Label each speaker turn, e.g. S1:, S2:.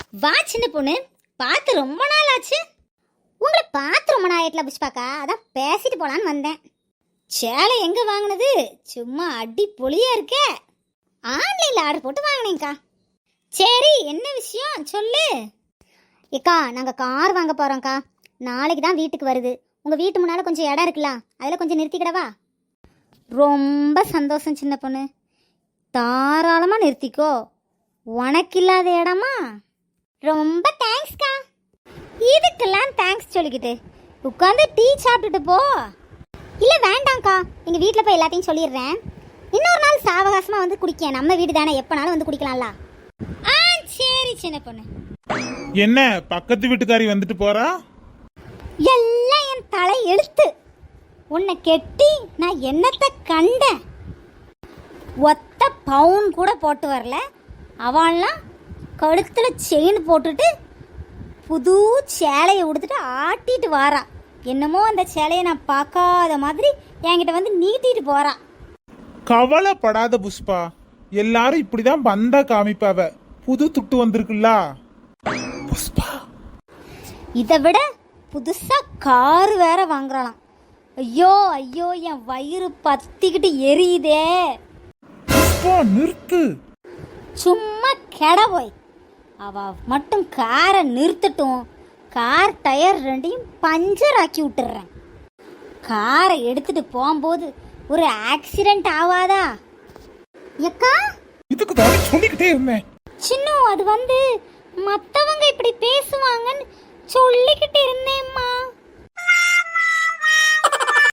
S1: வா சின்ன பொண்ணு, பார்த்து ரொம்ப நாள் ஆச்சு. உங்களை பார்த்து ரொம்ப நாள் ஆயிட்டல புஷ்பாக்கா, அதான் பேசிட்டு போலான்னு வந்தேன். சேலை எங்க வாங்கினது? சும்மா அடி பொலியா இருக்கே. ஆன்லைன்ல ஆர்டர் போட்டு வாங்கினேங்க்கா. சரி, என்ன விஷயம் சொல்லு. ஏக்கா, நாங்கள் கார் வாங்க போகிறோம்க்கா. நாளைக்கு தான் வீட்டுக்கு வருது. உங்கள் வீட்டு முன்னால் கொஞ்சம் இடம் இருக்குல்ல, அதில் கொஞ்சம் நிறுத்திக்கிடவா? ரொம்ப சந்தோஷம் சின்ன பொண்ணு, தாராளமாக நிறுத்திக்கோ. உனக்கு இல்லாத இடமா? ரொம்ப தேங்க்ஸ்க்கா. இதுக்கெல்லாம் தேங்க்ஸ் சொல்லிக்கிட்டு உட்காந்து டீ சாப்பிட்டுட்டு போ. இல்லை வேண்டாம்க்கா, எங்கள் வீட்டில் போய் எல்லாத்தையும் சொல்லிடுறேன். இன்னொரு நாள் சாவகாசமாக வந்து குடிக்க, நம்ம வீடு தானே, எப்போனாலும் வந்து குடிக்கலாம்ல. ஆ சரி சின்ன பொண்ணு.
S2: என்ன பக்கத்து வீட்டுக்காரி வந்துட்டு போறா?
S1: எல்லாம் என் தலை எழுத்து. உன்னை கெட்டி நான் என்னத்தை கண்டேன்? ஒத்த பவுன் கூட போட்டு வரல, அவன்லாம் கழுத்தில் செயின் போட்டுட்டு புது சேலையை உடுத்துட்டு ஆட்டிட்டு வாரா. என்னமோ அந்த சேலையை நான் பார்க்காத மாதிரி என்கிட்ட வந்து நீட்டிட்டு போறா.
S2: கவலைப்படாத புஷ்பா, எல்லாரும் இப்படிதான் வந்தா காமிப்பாவ. புது துட்டு வந்திருக்குல்ல புஷ்பா.
S1: இதை விட புதுசா கார் வேற வாங்குறாளாம். ஐயோ ஐயோ, என் வயிறு பத்திக்கிட்டு எரியுதே.
S2: புஷ்பா நிறுத்து.
S1: சும்மா கெட போய். அவ மட்டும் காரை நிறுத்தட்டும், கார் டயர் ரெண்டையும் பஞ்சர் ஆக்கி விட்டுறேன். காரை எடுத்துட்டு போகும்போது ஒரு ஆக்சிடென்ட் ஆகாதா? எக்கா,
S2: இதுக்கு தான் சொல்லிக்கிட்டே இருந்தேன்.
S1: சின்ன, அது வந்து மற்றவங்க இப்படி பேசுவாங்கன்னு சொல்லிக்கிட்டு இருந்தேம்மா.